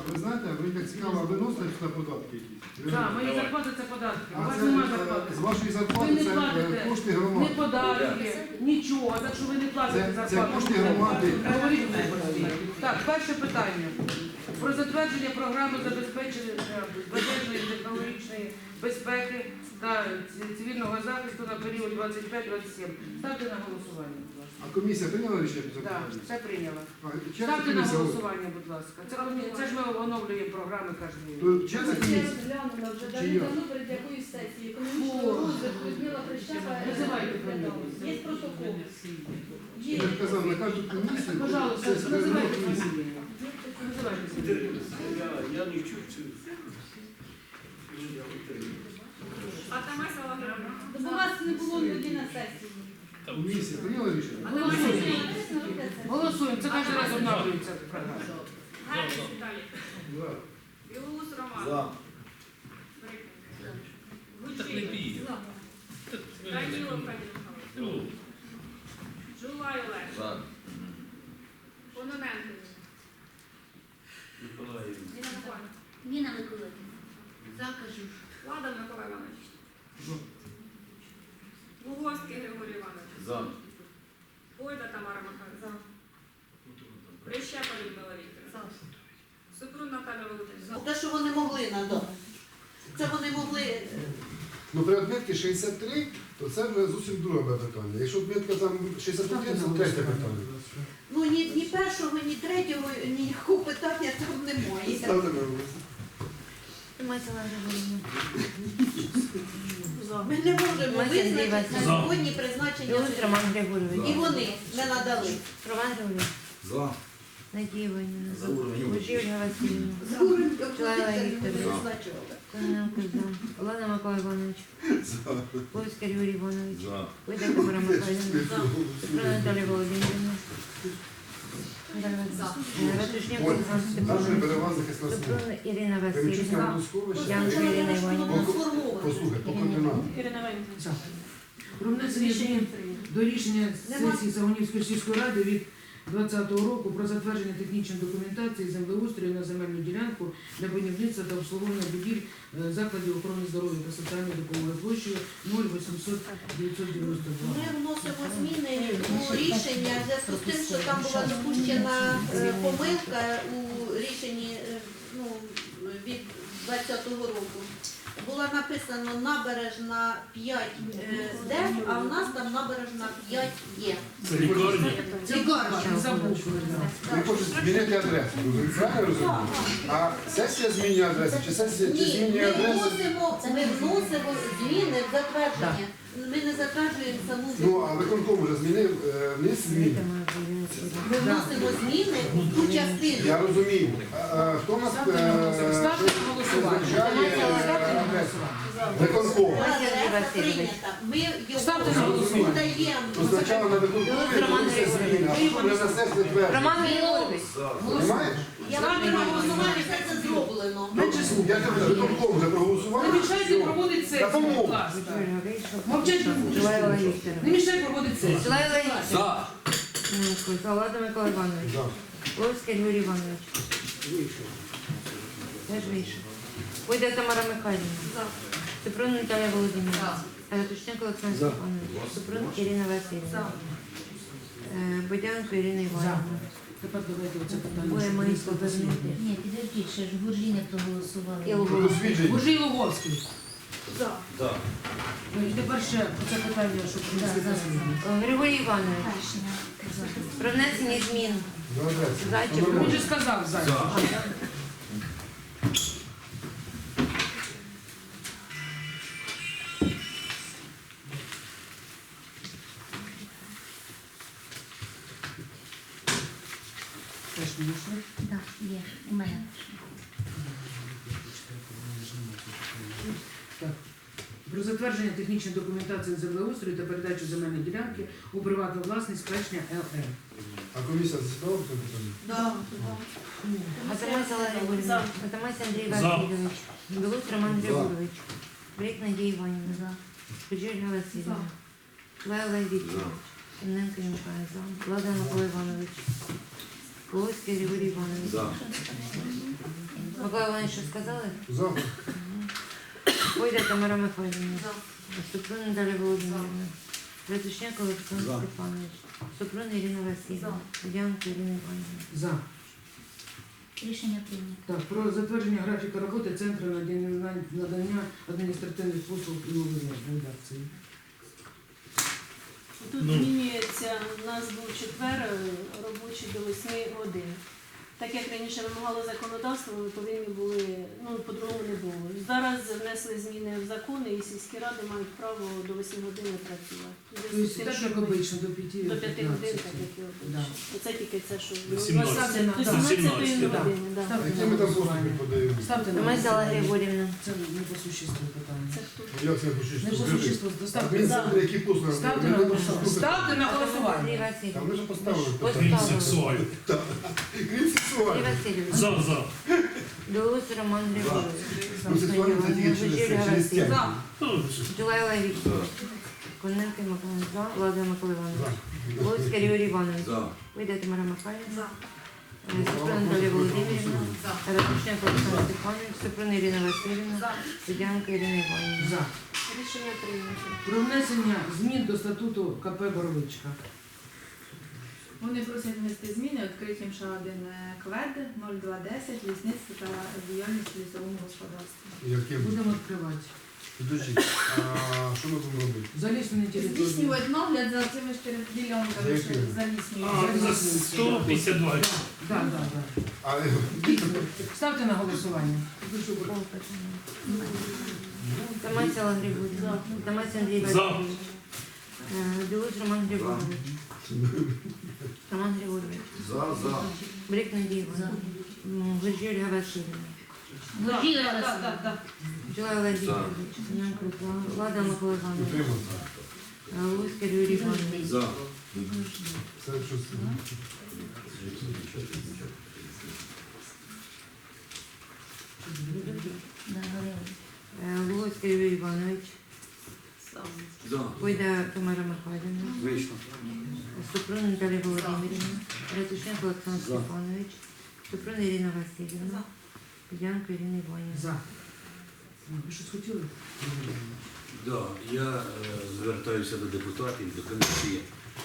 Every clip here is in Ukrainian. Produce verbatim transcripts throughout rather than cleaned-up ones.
ви знаєте, ви так цікаво, виносите сюди податки якісь? Так, мої зарплати це податки. У А вас це, немає е, зарплати. з вашої Ви зарплати не це е, платите кошти ні громади. податки, нічого, так що ви не платите Це- це зарплату. кошти громади. Говоріть виборці. Так, перше питання. Про затвердження програми забезпечення безпечної технологічної безпеки та цивільного захисту на період двадцять п'ять двадцять сім. Ставте на голосування, будь ласка. А комісія прийняла рішення по Так, запитанню? все прийняла. А, чия це Ставте на комісія? голосування, будь ласка. Це, комі- це ж ми оновлюємо програми кожен рік. То чия це Я комісія? розглянула вже Чи я? давно перед якоюсь сесією. Економічного Фу. розвитку Людмила Прищепа Називайте розглядала. фамілію. Є протокол. Є. Я ж казав, на кожну комісію... Пожалуйста, це- це називайте комісія. фамілію. Називайте фамілію. Я, я не чув цю. Бо вас не було тоді на сесії. Комісія прийняла рішення? Голосуємо. Голосуємо. Це кожен раз обновлюється програма. Гайс Віталій. Да. Білоус Роман. За. Гучий. Данілов Федір Михайлович. Жулай Олег. За. Кононенко. Миколаїв. Ніна Миколаївна. Ніна Миколаївна. Закажу. Влада Микола Іванович. Луговський Григорій Іванович. За. Бойда Тамара Михайлівна. Прищепа Людмила Вікторівна. Супрун Наталя Володимирівна. Те, що вони могли надати. Це вони могли. Ну, при відмітці шістдесят три, то це вже зовсім друге питання. Якщо відмітка там шістдесят один, це третє питання. Ну ні, ні першого, ні третього, ніякого питання там немає. Ставте на голосування. Мацела Григорівна. Ми не можемо Мася Андрій визначити на Васильович. сьогодні призначення. Білоус Роман І Григорович. вони не надали. Роман Григорович. За. Надія Іванівна. За уровень. Гужі Ольга Васильівна. Опозиція не призначували. Кононенко за. Олена Микола Іванович. Польський Григорій Іванович. За. Бойда Тамара Михайлівна. Супрун Наталія Володимирівна. Ратушняк Ой, Олександр нашої Степанович. перевага захисна служба. Супрун Ірина Кремчуцька Васильівна. Москович. Янко Ірина Іванівна. Воно сформовано. Послухай, по координатам. Ірина Валентинівна. Про внесення змін до рішення Нема. сесії Загонівської сільської ради від двадцятого року про затвердження технічної документації землеустрою на земельну ділянку для будівництва та обслуговування будівель е, закладів охорони здоров'я та соціальної допомоги площею нуль вісімсот дев'ятсот дев'яносто два. Ми вносимо зміни у рішення в зв'язку з тим, що там була допущена е, помилка у рішенні е, ну, від двадцятого року. Була написано набережна п'ять Д, а в нас там набережна п'ять Є. Це лікарня. Лікарня. Забув. Ви хочете змінити адресу, розумієте? Правильно розумію? А сесія змінює адресу, чи сесія чи Ні, змінює ми адресу? вносимо, ми вносимо зміни в затвердження. Ми не затверджуємо саму Ну, землю. а виконком вже змінив, е, вниз зміни. Ми вносимо зміни в ту частину. Я розумію. А, а, хто у нас Ставте на голосування. Ставте на голосування. визначає Ставте на адресу? голосування. Виконком. Адреса прийнята. Ми його Ставте на голосування. даємо. То спочатку на виконкомі вноситься зміни, а потім вже на сесію твердо. Роман Григорович. Понимаєш? Я вам не голосувати, все це зроблено. Ну, я тебе виконком вже проголосував. Не мішайте проводити Та сесію, помогу. будь ласка. Мовчать не будеш. Жулаєва Не Вікторівна. мішай проводити сесію. Жулаєва Вікторівна. За. Влада Микола Іванович. Да. Ловський Григорій Іванович. Теж вийшов. Бойда Тамара Михайлівна. Супрун Наталія Володимирівна. Ратушняк Олександр Степанович. Супрун Ірина Васильівна. Е, Бодянко Ірина Іванівна. Тепер давайте оце питання. Двоє щоб моїх місто повернути. Ні, підождіть, ще ж Гуржі не проголосували. І Про Луговський. дослідження. Гужій Луговський. За. Ну, і тепер ще оце питання, щоб принесли Да, да, дослідження. Григорій Іванович. Кашина. Про внесення змін. На адресу. Зайчик. Він же сказав зайчик. За. Теж не йшли. Так, є, у мене. Так. Про затвердження технічної документації землеустрою та передачу земельної ділянки у приватну власність Плечня ЛР. А комісія засідала в цьому питанні? Да. Атамась Олег Григорівна. Атамась Андрій Васильович. Білоус Роман Григорович. Брик Надія Іванівна. Гужі Ольга Васильівна. Лайла Вікторович. Кононенко Янка за. Влада Микола Іванович. Ловський Григорій Іванович. За. Микола Іванович, що сказали? За. Пойде Тамара Михайлівна. Супрун Наталя Володимирівна. Ратушняк Олександр За. Степанович. Супрун Ірина Васильівна. Дянко Ірина Іванівна. За. Рішення прийнято. Так, про затвердження графіка роботи Центру надання надання адміністративних послуг і нової редакції. Тут Ну. змінюється, у нас був четвер е, робочий до восьми годин. Так як раніше вимагало законодавство, ми повинні були, ну, по-другому не було. Зараз внесли зміни в закони і сільські ради мають право до восьми годин не працювати. У зв'язку з Тобто, тим, так що як ми- обично, до п'яти. До п'яти годин, так як і Да. обично. Оце тільки це, що До сімнадцяти. Ставте на- До до сімнадцятої сімнадцяти, да. години. Да. Ставте Які на ми там послуги голосування. подаємо? Ставте на Тамасяла голосування. Григорівна. Це не по существу питання. Це хто? Як це не почуєш? Не по существу, доставте. Адмінцентри, які послуги? Ставте Ми на не голосування. послухали. Ставте на Андрій голосування. Васильович. Там ми вже поставили. Поставили. Сексуаль. Крім Андрій сексуальних. Васильович. За, за. Білоус Роман Григорович. Ну, сексуальні це тільки через це, через стягнення. Джулайла Вікторович. Коненко Микола за. Влада Микола Іванович. Луцький Юрій Іванович. Вийде Тамара Михайлівна. Супрун Наталія Володимирівна. Ратушняк Олександр Степанович. Супрун Ірина Васильівна. Судянка Ірина Іванівна. За. Рішення прийнято. Про внесення змін до статуту КП Боровичка. Вони просять внести зміни, відкриті ще один квед нуль два десять, лісництво та діяльність в лісовому господарстві. Яке буде? Будемо відкривати. Підождіть, а що ми будемо робити? Заліснені території. Здійснювати нагляд за цими ж За ділянками, якими? що заліснюють. А, за сто п'ятдесят два. Так, так, так. А, Ставте на голосування. Тамасяла Григорівна. Тамася Андрій За. Васильович. Е, Білоус Роман Григорович. Роман Григорович. За, за. Брик Надія Івановна. М, Гуржій Ольга Васильівна. Гуржій Олег Так, так, Васильович. так. Джулайла Вікторович. Семенко за. Влада Микола Іванович. Утримався. Е, Луцький Юрій Іванович. За. Це щось. Да, Галина. Е, Луцький Юрій Іванович. За. Пойде Тамара Михайлівна. Вийшло. Супрун Наталія Володимирівна. Ратушняк Олександр За. Степанович. Супрун Ірина Васильівна. Дянко Ірина Іванівна. За. Ви щось хотіли? Да, я е, звертаюся до депутатів, до комісії.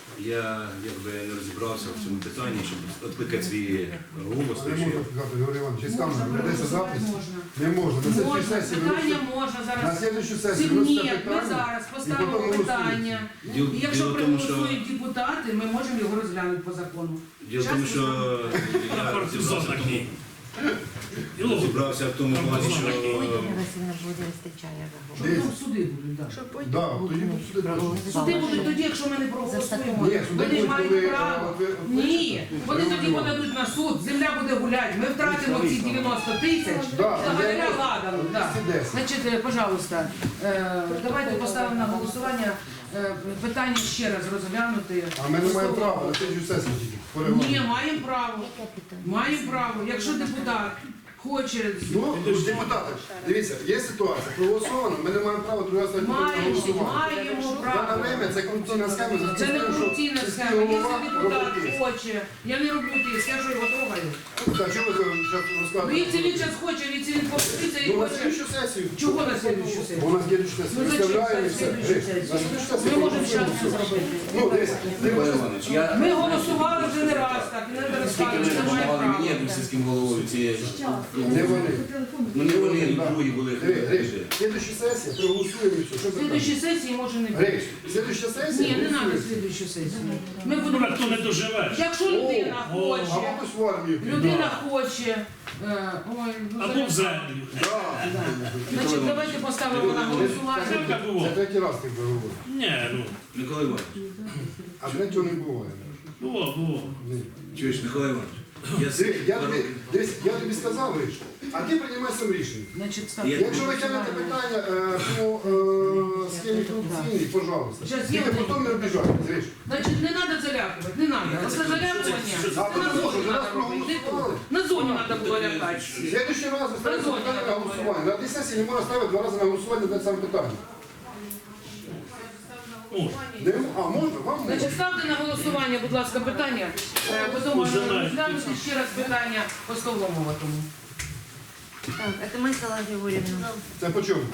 Я якби не розібрався в цьому питанні, щоб відкликати свій голос. Не так що можна я- сказати, Григорій Іванович, із камери Можна, ведеться голосувати запис. можна. Не можна. На слідчій Можна, сесії питання виносите- можна на зараз. слідчій сесії Ні, виносите ми питання. зараз і поставимо потім голосуєте. питання. Діло, І якщо діло в тому, що, проголосують депутати, ми можемо його розглянути по закону. діло в тому, що я розібрався в тому, розібрався в тому плані, що Ірина Васильівна буде вистачає за голос. Дивіться. Ну, суди будуть, так. Да, тоді будуть сюди теж. Суди будуть тоді, якщо ми не проголосуємо. Ні, суди Вони ж будуть, мають коли, право. от ви- от ви- Ні, вони тоді ви- подадуть на суд, земля буде гуляти, ми втратимо ці дев'яносто тисяч. Да, Благодаря дев'яносто, ладам, да. двісті десять. Значить, е, пожалуйста, е, давайте поставимо на голосування е, питання ще раз розглянути. А ми не маємо права на слідчій сесії тільки. по регламенту. Ні, маємо право. Яке питання? Маємо право. Якщо депутат хоче, Ну, депутати, дивіться, є ситуація, проголосовано, ми не маємо права другий раз навіть на маємо, голосування. маємо Дане право. время це корупційна схема, за Це не тим, що корупційна сільський схема. голова Якщо депутат робить тиск. хоче, я не роблю тиск, я що його трогаю. Так, що ви зараз Ну, розказуєте? якщо він зараз хоче, якщо він повториться і Ну, на хоче. слідчу сесію. Чого на слідчу Бо сесію? у нас слідчу сесію. Ну, зачем Виставляємо і на все. слідчу Жесть. сесію? На слідчу сесію Ми можемо зараз це проголосуємо. зробити. Ну, дивіться, Микола дивіться. Іванович, я Ми голосували вже не раз так, і не скільки розказуємо, ви що має допомагали мені, як право. сільським головою, ці Не вони. ну не вони, і другі були. Дивіться, Гриш, слідчу сесію проголосуємо і все. Що В це слідчій там? сесії може не бути. Гриш, слідча сесія Ні, не треба голосуємо. слідчу сесію. Ми Ну, будемо. хто не доживеш. Якщо людина О, о, хоче, Або хтось в армію. піде. людина хоче, е, ой, ну, Або зараз- в землю. Да. Значить, давайте поставимо на голосування. Це так Це було. третій раз ти говориш. Ні, ну, Микола Іванович, А третього не буває. було, було. Ні. чуєш, Микола Іванович, я з- Диви, Я тобі, дивись, я тобі сказав, Гриш, а ти приймай сам рішення. Значить, ставте Я- на Якщо ви тягнете голосування. питання е, по е, схемі корупційній, пожалуйста. Щас Тільки я- потім не обіжайте, Гриш. Значить, не треба залякувати, не треба. Оце залякування. А Це на тому що зоні зараз треба робити. проголосували. На зоні треба було лякати. В следующий раз ви ставите Дозвольте, питання на я голосування. На одній сесії не можна ставити два рази на голосування на саме питання. О, Не, м- а можна? Вам можна. Значить, ставте на голосування, будь ласка, питання. Е, Потім можна Уже навіть. розглянути ще раз питання по Столомовому. Так, Атамась Алла Григорьевна. Це по чому?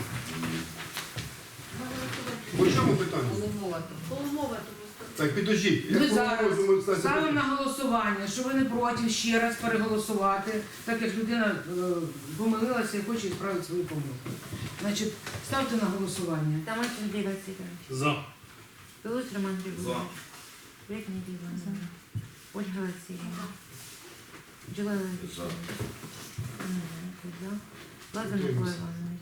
По чому питання? Полумова тому. Так, підождіть. Ми Як зараз можемо ставити ставимо питання? на голосування, що ви не проти ще раз переголосувати, так як людина е, помилилася і хоче справити свою помилку. Значить, ставте на голосування. Атамась Андрей Васильевич. За. Белусь Роман Григорьевич. Брик Надія Іванівна. Ольга Васильівна. Джулай Владимирович. За. Лазар Микола Іванович.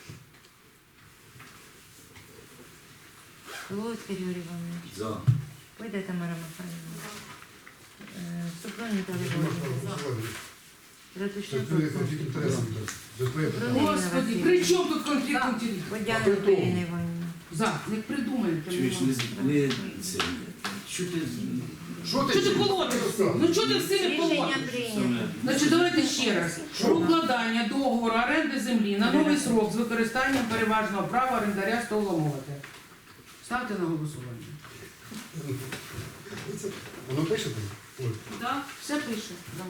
Луцький Юрій Іванович. За. Пойде Тамара Михайлівна. Е, Супрун Віталій Можна Володимирович. голосувати. Це Ратушняк твоє конфлікт інтересів. Це твоє питання. Господи, при чому тут конфлікт інтересів? Водяненко Ірина Іванівна. За, як придумаєте. Чуєш, не, з- не це. Що ти? Що ти? Що ти колотишся? Ну чого ти з цими Рішення колотиш? прийнято. Значить, давайте ще раз. Про укладання договору оренди землі на новий срок з використанням переважного права орендаря столомовити. Ставте на голосування. Це- Воно пише там? Ой. Так, все пише. Да.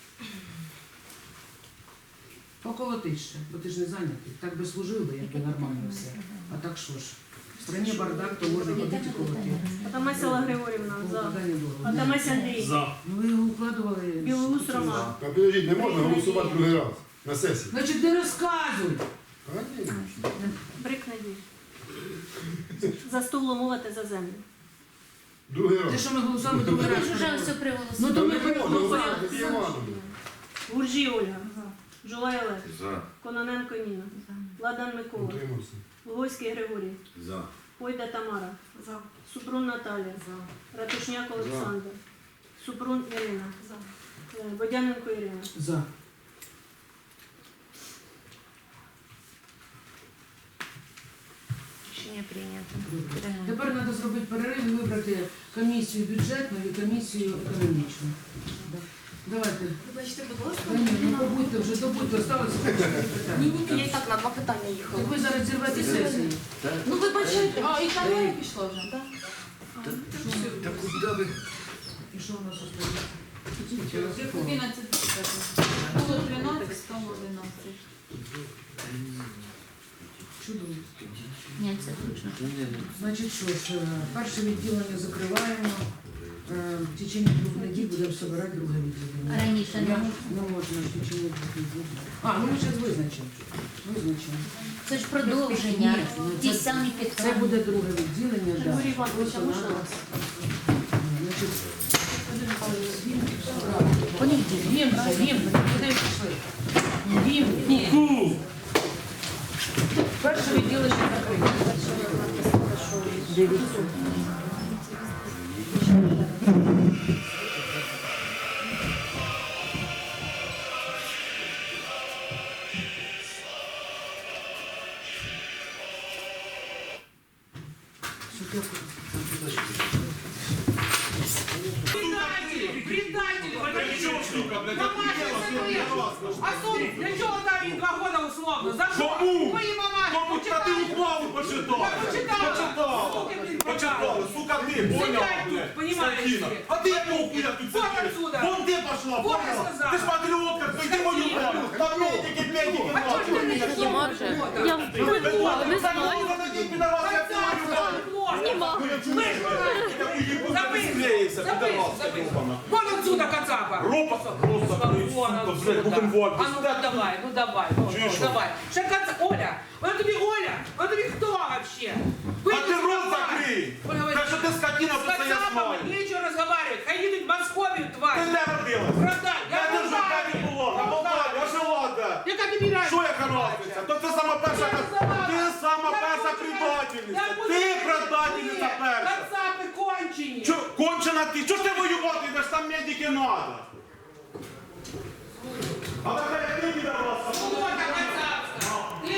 Поколотиш ще, бо ти ж не зайнятий. Так би служив би, якби нормально все. А так що ж? В страні бардак, то можна ходити колотити. Атамась Алла Григорівна. Про За. укладання договору. Атамась Андрій. За. Ну ви його укладували. Білоус Роман. Та підождіть, не можна голосувати другий раз на сесії. Значить, не розказуй. А, ні. Брик Надій. За стол умовити за землю. Другий Те, раз. що ми голосували, другий раз. Вже все Ну приголосили. то Та ми не можна проголосували. голосувати за Івановну. Гуржій Ольга. Жулай Олег. За. Кононенко Ніна. Ладан Микола. Утримався. Луговський Григорій. За. Пойда Тамара. За. Супрун Наталія. Ратушняк Олександр. Супрун Ірина. Е, Водяненко Ірина. За. Рішення прийнято. Тепер треба зробити перерив і вибрати комісію бюджетну і комісію економічну. Да. Давайте. Вибачте, будь ласка. Та ні, ну побудьте вже, добудьте, осталося питання. Ні, ні, я і так на два питання їхала. Так ви зараз зірвете сесію. Ну вибачайте. А, і там не пішло вже, так? Та куди ви? І що у нас остається? одинадцять. Було тринадцять, стало одинадцять. Чудово. Ні, це точно. Значить, що ж, е, перше відділення закриваємо. Е, В течение двох неділь будемо збирати друге відділення. Раніше не Я- можна. Не можна в течение двох неділь. А, ну ми зараз визначимо. Визначимо. Це ж продовження. Ні, ну, Ті це- самі Це підтримки. буде друге відділення. да. Григорій Іванович, а Просто можна надо- вас? Значить, Понеділок. Вімка, вімка, куди ви пішли? Вімка. Перше відділення закрите. Дивіться. Предатели! Предатели! А суд для чого дав їм два года условно? За що? Кому? Мої мамаші! Кому та ти ухвалу почитала? Почитала. Почитала. Суки, блін, Почитала. Сука, ти, Сидять поняла, тут, блядь, понімаєш скотина. ти. А ти якого хуя тут Вот сидиш? отсюда. Вон ти пошла, Вот я поняла? сказала. Ти ж патріотка, ти йди мою правду. Там медики, медики, А чого ж ти не пішов? Я придумала, не знаю. Вон отсюда, Кацапа! Ропа, просто, Вон сука, отсюда. блядь, Бухенвальд. А ну давай, ну давай, ну, Чуєш, ну, що? давай. Ще Каца... Оля, вона тобі Оля, вона тобі хто вообще? А ти рот закрий! Так що ти скотина, С це я Кацапом знаю. нечего разговаривать, хай їдуть в Московію, Ти тварь. де родилась? Продай, я Я не в жива Молдавії. не була, на Я в Молдаві, а жила де? Яка тобі разниця? Що яка разниця? То ти сама перша, Я не знала. ти сама Я перша буду- предательниця. Я буду- Ти предательниця Ні, перша. Кацапи кончені. Чо, кончена ти? Чого ж ти воювати йдеш? Там медики надо. А така як ти віддавалася? Вот, а